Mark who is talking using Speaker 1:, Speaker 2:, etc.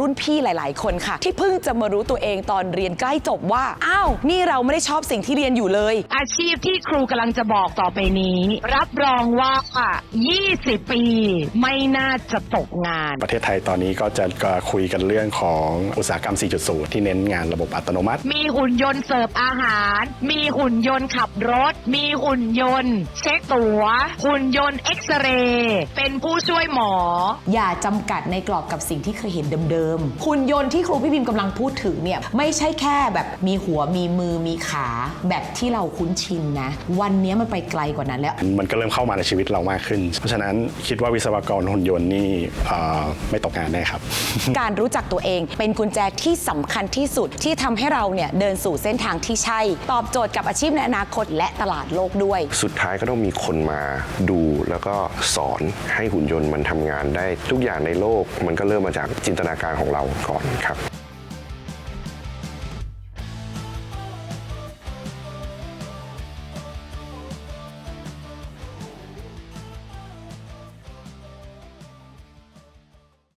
Speaker 1: รุ่นพี่หลายๆคนค่ะที่เพิ่งจะมารู้ตัวเองตอนเรียนใกล้จบว่าอ้าวนี่เราไม่ได้ชอบสิ่งที่เรียนอยู่เลยอาชีพที่ครูกำลังจะบอกต่อไปนี้รับรองว่า20 ปีไม่น่าจะตกงาน
Speaker 2: ประเทศไทยตอนนี้ก็จะคุยกันเรื่องของอุตสาหกรรม 4.0 ที่เน้นงานระบบอัตโนมัติ
Speaker 1: มีหุ่นยนต์เสิร์ฟอาหารมีหุ่นยนต์ขับรถมีหุ่นยนต์เช็คตั๋วหุ่นยนต์เอ็กซเรย์เป็นผู้ช่วยหมออย่าจำกัดในกรอบกับสิ่งที่เคยเห็นเดิมๆหุ่นยนต์ที่ครูพี่พิมกำลังพูดถึงเนี่ยไม่ใช่แค่แบบมีหัวมีมือมีขาแบบที่เราคุ้นชินนะวันนี้มันไปไกลกว่านั้นแล้ว
Speaker 2: มันก็เริ่มเข้ามาในชีวิตเรามากขึ้นเพราะฉะนั้นคิดว่าวิศวกรหุ่นยนต์นี่ไม่ตกงานแน่ครับ
Speaker 1: การรู้จักตัวเองเป็นกุญแจที่สำคัญที่สุดที่ทำให้เราเนี่ยเดินสู่เส้นทางที่ใช่ตอบโจทย์กับอาชีพในอนาคตและตลาดโลกด้วย
Speaker 3: สุดท้ายก็ต้องมีคนมาดูแล้วก็สอนให้หุ่นยนต์มันทำงานได้ทุกอย่างในโลกมันก็เริ่มมาจากจินตนาการของเราก่อนครับ